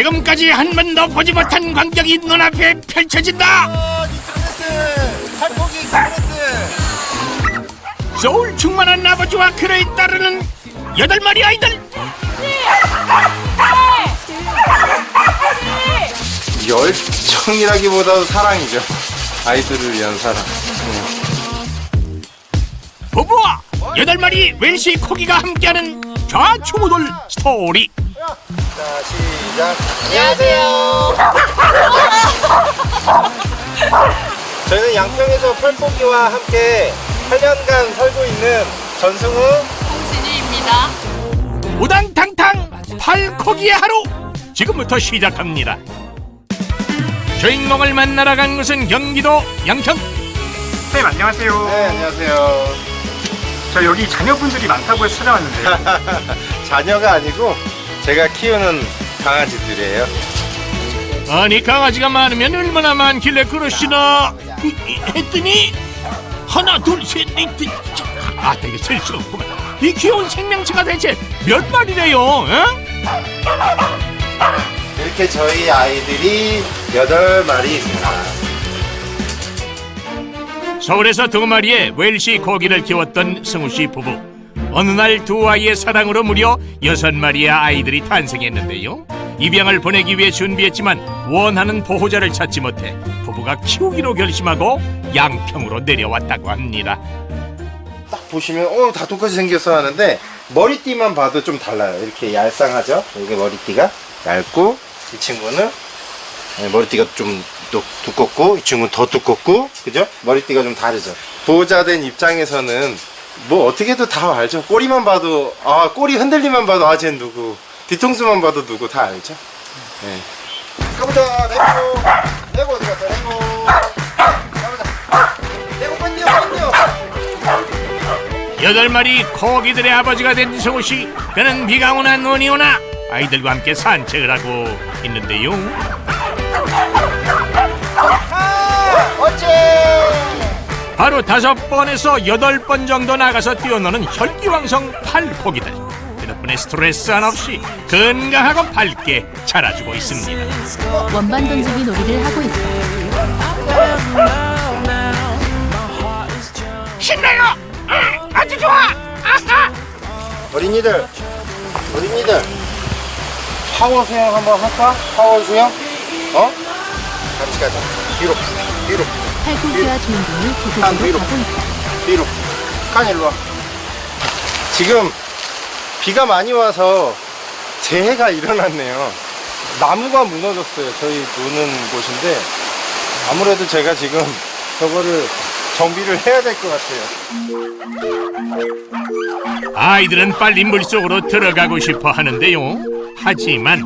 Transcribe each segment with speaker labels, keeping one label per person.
Speaker 1: 지금까지 한 번도 보지 못한 광경이 눈앞에 펼쳐진다.
Speaker 2: 살코기 익스프레스.
Speaker 1: 소울 충만한 아버지와 그를 따르는 8마리 아이들.
Speaker 2: 열정이라기보다도 사랑이죠. 아이들을 위한 사랑.
Speaker 1: 부부와 8마리 웰시 코기가 함께하는 좌충우돌 스토리.
Speaker 2: 자, 시작.
Speaker 3: 안녕하세요.
Speaker 2: 저희는 양평에서 펄포기와 함께 8년간 살고 있는 전승우,
Speaker 3: 홍진희입니다.
Speaker 1: 우당탕탕 팔코기의 하루 지금부터 시작합니다. 주인공을 만나러 간 곳은 경기도 양평.
Speaker 4: 선생님 안녕하세요.
Speaker 2: 네, 안녕하세요.
Speaker 4: 저 여기 자녀분들이 많다고 해서 찾아왔는데요.
Speaker 2: 자녀가 아니고 제가 키우는 강아지들이에요.
Speaker 1: 아니 강아지가 많으면 얼마나 많길래 그러시나 했더니 하나 둘셋넷 아 이거 셀 수가 없구만. 이 귀여운 생명체가 대체 몇 마리래요? 어?
Speaker 2: 이렇게 저희 아이들이 8마리입니다.
Speaker 1: 서울에서 2마리의 웰시 코기를 키웠던 승우씨 부부. 어느 날 두 아이의 사랑으로 무려 6마리의 아이들이 탄생했는데요. 입양을 보내기 위해 준비했지만 원하는 보호자를 찾지 못해 부부가 키우기로 결심하고 양평으로 내려왔다고 합니다.
Speaker 2: 딱 보시면 다 똑같이 생겼어 하는데 머리띠만 봐도 좀 달라요. 이렇게 얄쌍하죠? 이게 머리띠가 얇고, 이 친구는 머리띠가 좀 두껍고, 이 친구는 더 두껍고, 그죠? 머리띠가 좀 다르죠. 보호자된 입장에서는 뭐 어떻게 해도 다 알죠. 꼬리만 봐도, 꼬리 흔들리만 봐도 쟤는 누구, 뒤통수만 봐도 누구 다 알죠. 네. 가보자. 레고 어디 갔어? 레고. 가보자. 레고 뺀디요.
Speaker 1: 8마리 코기들의 아버지가 된 승우씨. 그는 비가 오나 눈이 오나 아이들과 함께 산책을 하고 있는데요. 하루 5번에서 8번 정도 나가서 뛰어노는 혈기왕성 팔코기들. 그 덕분에 스트레스 하나 없이 건강하고 밝게 자라주고 있습니다.
Speaker 5: 원반 던지기 놀이를 하고 있다.
Speaker 1: 신나요! 아주 좋아! 아하!
Speaker 2: 어린이들 파워 수영 한번 할까? 파워 수영? 같이 가자. 뒤로
Speaker 5: 팔꿈치와 주인공이
Speaker 2: 뒤로.
Speaker 5: 도둑으로 가고 있다.
Speaker 2: 뒤로. 칸 일로 와. 지금 비가 많이 와서 재해가 일어났네요. 나무가 무너졌어요. 저희 노는 곳인데 아무래도 제가 지금 저거를 정비를 해야 될 것 같아요.
Speaker 1: 아이들은 빨리 물속으로 들어가고 싶어 하는데요. 하지만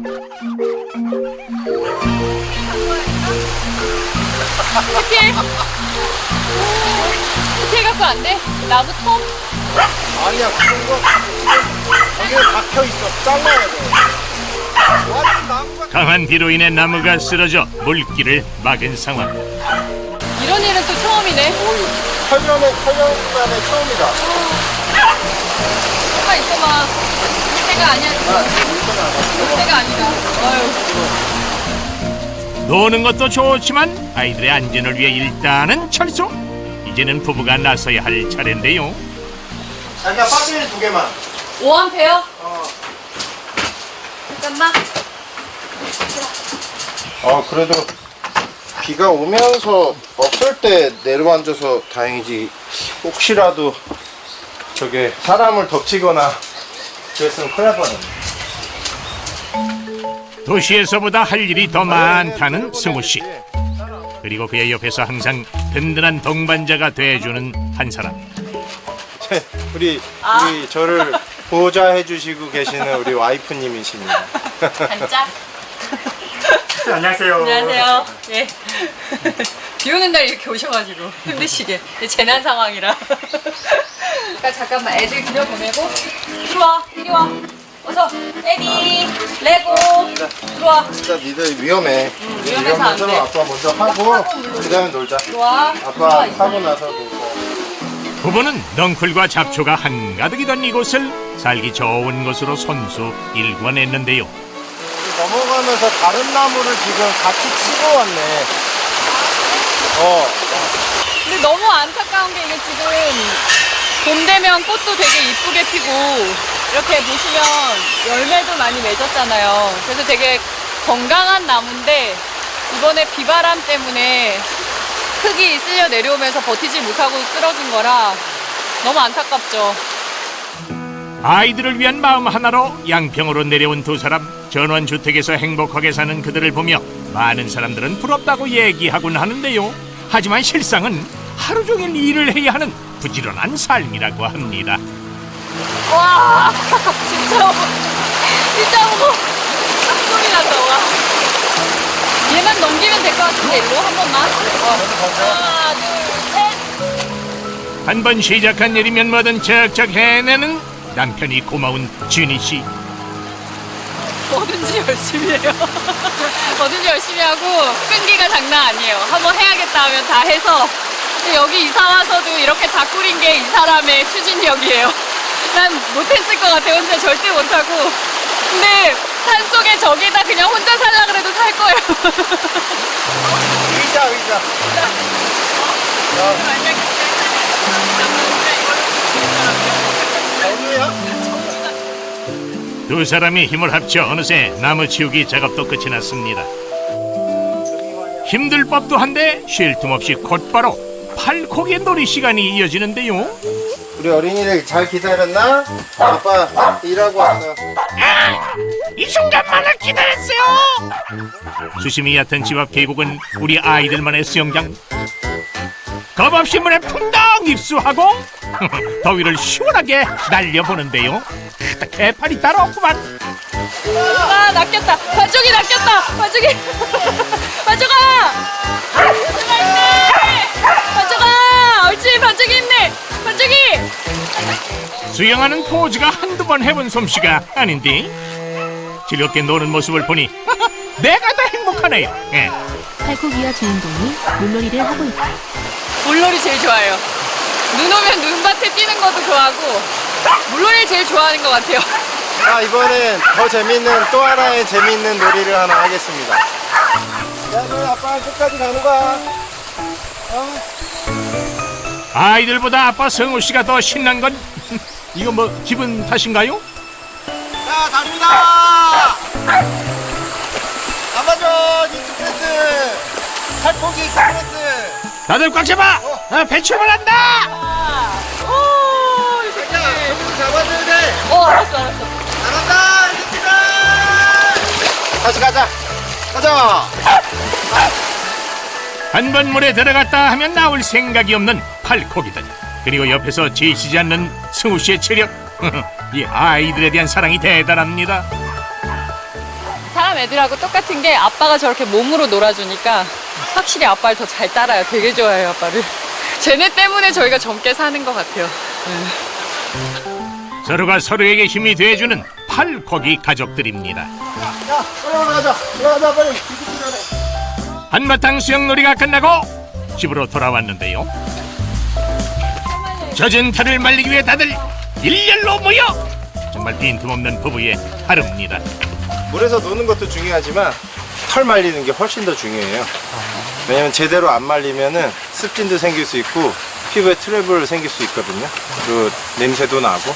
Speaker 3: 스틸 갖고 안 돼? 나무 톱?
Speaker 2: 아니야, 그런 거 여기에 박혀있어. 잘라야 돼. 완전 나무가.
Speaker 1: 강한 비로 인해 나무가 쓰러져 물길을 막은 상황.
Speaker 3: 이런 일은 또 처음이네.
Speaker 2: 8년 만에 처음이다.
Speaker 3: 잠깐 있어봐. 때가 아니야. 때가 아니다. 아유.
Speaker 1: 노는 것도 좋지만 아이들의 안전을 위해 일단은 철수. 이제는 부부가 나서야 할 차례인데요.
Speaker 2: 자기야, 배터리 2개만.
Speaker 3: 5A? 잠깐만.
Speaker 2: 그래도 비가 오면서 없을 때 내려앉아서 다행이지. 혹시라도 저게 사람을 덮치거나 그랬으면 큰일 날 뻔했네.
Speaker 1: 도시에서보다 할 일이 더 많다는 승우씨. 그리고 그의 옆에서 항상 든든한 동반자가 돼주는 한 사람.
Speaker 2: 우리 저를 보호자해 주시고 계시는 우리 와이프님이십니다.
Speaker 3: 반짝.
Speaker 4: 네, 안녕하세요.
Speaker 3: 안녕하세요. 예. 비 오는 날 이렇게 오셔가지고 힘드시게. 재난 상황이라. 그러니까 잠깐만 애들 들여보내고 들어와. 이리 와. 어서. 에디. 레고. 들어와.
Speaker 2: 진짜 니들 위험해.
Speaker 3: 위험해서 안 돼.
Speaker 2: 아빠 먼저 하고 그 다음에 놀자.
Speaker 3: 들어와.
Speaker 2: 아빠 하고 나서 놀자.
Speaker 1: 부부는 넝쿨과 잡초가 한가득이던 이곳을 살기 좋은 곳으로 손수 일궈냈는데요.
Speaker 2: 넘어가면서 다른 나무를 지금 같이 치고 왔네.
Speaker 3: 근데 너무 안타까운 게 이게 지금 봄 되면 꽃도 되게 이쁘게 피고 이렇게 보시면 열매도 많이 맺었잖아요. 그래서 되게 건강한 나무인데 이번에 비바람 때문에 흙이 쓸려 내려오면서 버티지 못하고 쓰러진 거라 너무 안타깝죠.
Speaker 1: 아이들을 위한 마음 하나로 양평으로 내려온 두 사람. 전원주택에서 행복하게 사는 그들을 보며 많은 사람들은 부럽다고 얘기하곤 하는데요. 하지만 실상은 하루 종일 일을 해야 하는 부지런한 삶이라고 합니다.
Speaker 3: 와 진짜 무거워. 소리 난다. 와. 얘만 넘기면 될 것 같은데 일로 한 번만. 하나 둘 셋.
Speaker 1: 한 번 시작한 일이면 뭐든 척척 해내는 남편이 고마운 준희 씨.
Speaker 3: 뭐든지 열심히 해요. 뭐든지 열심히 하고 끈기가 장난 아니에요. 한번 해야겠다 하면 다 해서 여기 이사 와서도 이렇게 다 꾸린 게 이 사람의 추진력이에요. 난 못했을 것 같아. 혼자 절대 못하고. 근데 산속에 저기다 그냥 혼자 살라 그래도 살 거예요.
Speaker 2: 의자. 정우야?
Speaker 1: 두 사람이 힘을 합쳐 어느새 나무 치우기 작업도 끝이 났습니다. 힘들 법도 한데 쉴 틈 없이 곧바로 팔코기 놀이 시간이 이어지는데요.
Speaker 2: 우리 어린이들 잘 기다렸나? 아빠 일하고 왔어.
Speaker 1: 이 순간만을 기다렸어요. 수심이 얕은 집 앞 계곡은 우리 아이들만의 수영장. 겁없이 물에 풍덩 입수하고 더위를 시원하게 날려보는데요. 개팔이 따로 없구만.
Speaker 3: 아 낚였다. 반쪽이 낚였다. 반쪽이. 반쪽아. 반쪽아 있네. 반쪽아. 옳지 반쪽이 있네. 반쪽이.
Speaker 1: 수영하는 포즈가 한두 번 해본 솜씨가 아닌데 즐겁게 노는 모습을 보니 내가 더 행복하네요. 예.
Speaker 5: 팔코기와 주인공이 물놀이를 하고 있다.
Speaker 3: 물놀이 제일 좋아해요. 눈 오면 눈밭에 뛰는 것도 좋아하고 물놀이 제일 좋아하는 것 같아요.
Speaker 2: 이번엔 더 재밌는 또 하나의 재밌는 놀이를 하나 하겠습니다. 야, 너 아빠랑 끝까지 가는 거야.
Speaker 1: 아이들보다 아빠 성우 씨가 더 신난 건 이거 뭐 기분 탓인가요?
Speaker 2: 자, 갑니다. 잡아줘, 익스프레스. 팔포기 익스프레스.
Speaker 1: 다들 꽉 잡아. 배 출발한다.
Speaker 3: 오,
Speaker 2: 자, 여기서 잡아줘야 돼.
Speaker 3: 알았어.
Speaker 2: 잘한다, 익스프레스. 다시 가자.
Speaker 1: 한 번 물에 들어갔다 하면 나올 생각이 없는 팔코기다니. 그리고 옆에서 지치지 않는 승우 씨의 체력. 이 아이들에 대한 사랑이 대단합니다.
Speaker 3: 사람 애들하고 똑같은 게 아빠가 저렇게 몸으로 놀아주니까 확실히 아빠를 더 잘 따라요. 되게 좋아해요, 아빠를. 쟤네 때문에 저희가 젊게 사는 것 같아요.
Speaker 1: 서로가 서로에게 힘이 돼주는 팔코기 가족들입니다.
Speaker 2: 야, 올라가자, 빨리.
Speaker 1: 한바탕 수영놀이가 끝나고 집으로 돌아왔는데요. 젖은 털을 말리기 위해 다들 일렬로 모여 정말 빈틈없는 부부의 하루입니다.
Speaker 2: 물에서 노는 것도 중요하지만 털 말리는 게 훨씬 더 중요해요. 왜냐면 제대로 안 말리면은 습진도 생길 수 있고 피부에 트러블 생길 수 있거든요. 그리고 냄새도 나고.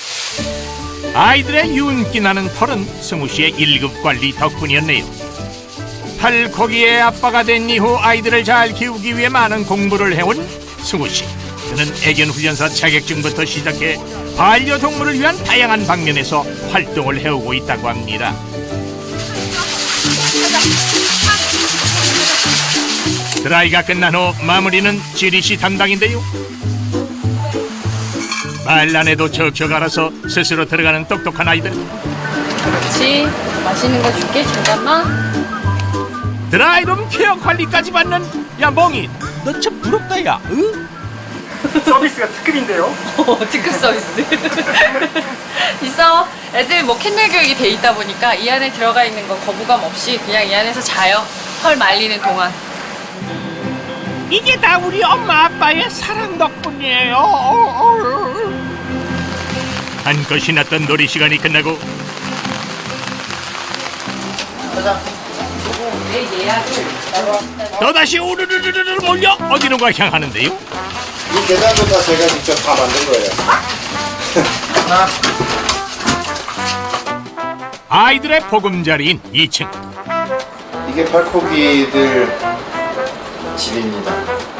Speaker 1: 아이들의 윤기 나는 털은 승우 씨의 1급 관리 덕분이었네요. 팔코기의 아빠가 된 이후 아이들을 잘 키우기 위해 많은 공부를 해온 승우 씨. 그는 애견훈련사 자격증부터 시작해 반려동물을 위한 다양한 방면에서 활동을 해오고 있다고 합니다. 드라이가 끝난 후 마무리는 지리 씨 담당인데요. 말 안 해도 척척 알아서 스스로 들어가는 똑똑한 아이들.
Speaker 3: 그렇지. 맛있는 거 줄게. 잠깐만.
Speaker 1: 드라이룸 케어 관리까지 받는 야 멍이 너 참 부럽다 야. 응?
Speaker 4: 서비스가 특급인데요.
Speaker 3: 특급 서비스. 있어. 애들 뭐 캔넬 교육이 돼 있다 보니까 이 안에 들어가 있는 건 거부감 없이 그냥 이 안에서 자요. 털 말리는 동안.
Speaker 1: 이게 다 우리 엄마 아빠의 사랑 덕분이에요. 한껏 신났던 놀이 시간이 끝나고
Speaker 2: 가자.
Speaker 3: 내 예약을
Speaker 1: 또다시 우르르르르 몰려 어디론가 향하는데요.
Speaker 2: 이 계단도 다 제가 직접 다 만든 거예요. 하나.
Speaker 1: 아이들의 보금자리인 2층.
Speaker 2: 이게 팔코기들 집입니다.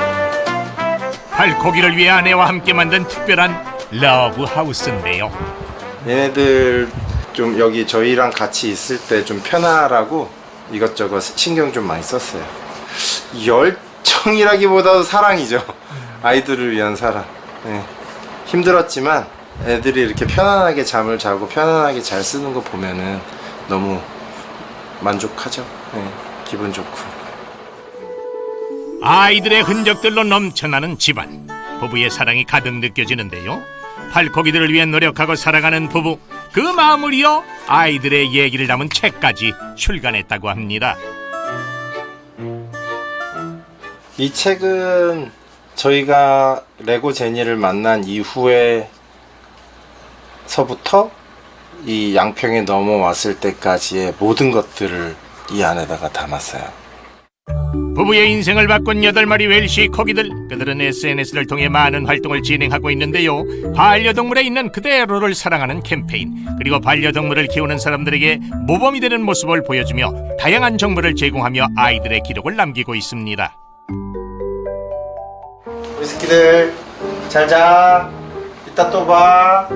Speaker 1: 팔코기를 위해 아내와 함께 만든 특별한 러브 하우스인데요.
Speaker 2: 얘네들 좀 여기 저희랑 같이 있을 때 좀 편하라고 이것저것 신경 좀 많이 썼어요. 열정이라기보다도 사랑이죠. 아이들을 위한 사랑. 네. 힘들었지만 애들이 이렇게 편안하게 잠을 자고 편안하게 잘 쓰는 거 보면은 너무 만족하죠. 네. 기분 좋고.
Speaker 1: 아이들의 흔적들로 넘쳐나는 집안. 부부의 사랑이 가득 느껴지는데요. 팔코기들을 위해 노력하고 살아가는 부부. 그 마음을 이어 아이들의 얘기를 담은 책까지 출간했다고 합니다.
Speaker 2: 이 책은 저희가 레고 제니를 만난 이후에서부터 이 양평에 넘어왔을 때까지의 모든 것들을 이 안에다가 담았어요.
Speaker 1: 부부의 인생을 바꾼 8마리 웰시 코기들. 그들은 SNS를 통해 많은 활동을 진행하고 있는데요. 반려동물에 있는 그대로를 사랑하는 캠페인, 그리고 반려동물을 키우는 사람들에게 모범이 되는 모습을 보여주며 다양한 정보를 제공하며 아이들의 기록을 남기고 있습니다.
Speaker 2: 우리 새끼들 잘 자. 이따 또 봐.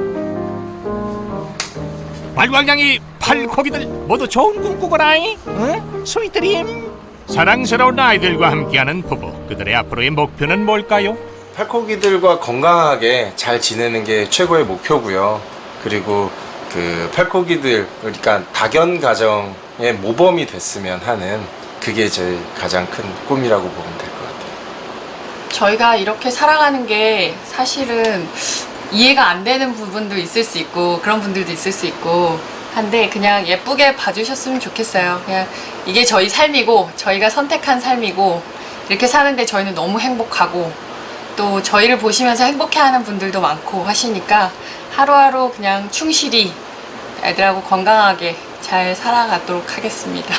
Speaker 1: 발광량이 팔코기들 모두 좋은 꿈 꾸거라잉. 응? 스위트림. 사랑스러운 아이들과 함께하는 부부. 그들의 앞으로의 목표는 뭘까요?
Speaker 2: 팔코기들과 건강하게 잘 지내는 게 최고의 목표고요. 그리고 그 팔코기들, 그러니까 다견 가정의 모범이 됐으면 하는, 그게 제 가장 큰 꿈이라고 보면 될 것 같아요.
Speaker 6: 저희가 이렇게 살아가는 게 사실은 이해가 안 되는 부분도 있을 수 있고 그런 분들도 있을 수 있고 한데, 그냥 예쁘게 봐주셨으면 좋겠어요. 그냥 이게 저희 삶이고 저희가 선택한 삶이고, 이렇게 사는데 저희는 너무 행복하고 또 저희를 보시면서 행복해하는 분들도 많고 하시니까 하루하루 그냥 충실히 애들하고 건강하게 잘 살아가도록 하겠습니다.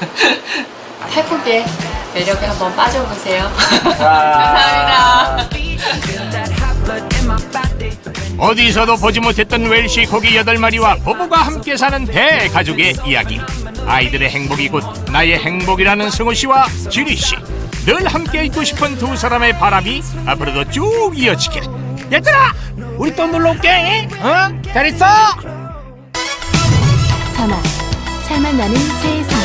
Speaker 6: 팔코기의 매력에 한번 빠져보세요. 감사합니다.
Speaker 1: 어디서도 보지 못했던 웰시 코기 8마리와 부부가 함께 사는 대가족의 이야기. 아이들의 행복이 곧 나의 행복이라는 승우씨와 지리씨. 늘 함께 있고 싶은 두 사람의 바람이 앞으로도 쭉 이어지길. 얘들아, 우리 또 놀러올게. 어? 잘 있어.
Speaker 5: 자막 살맛 나는 세상.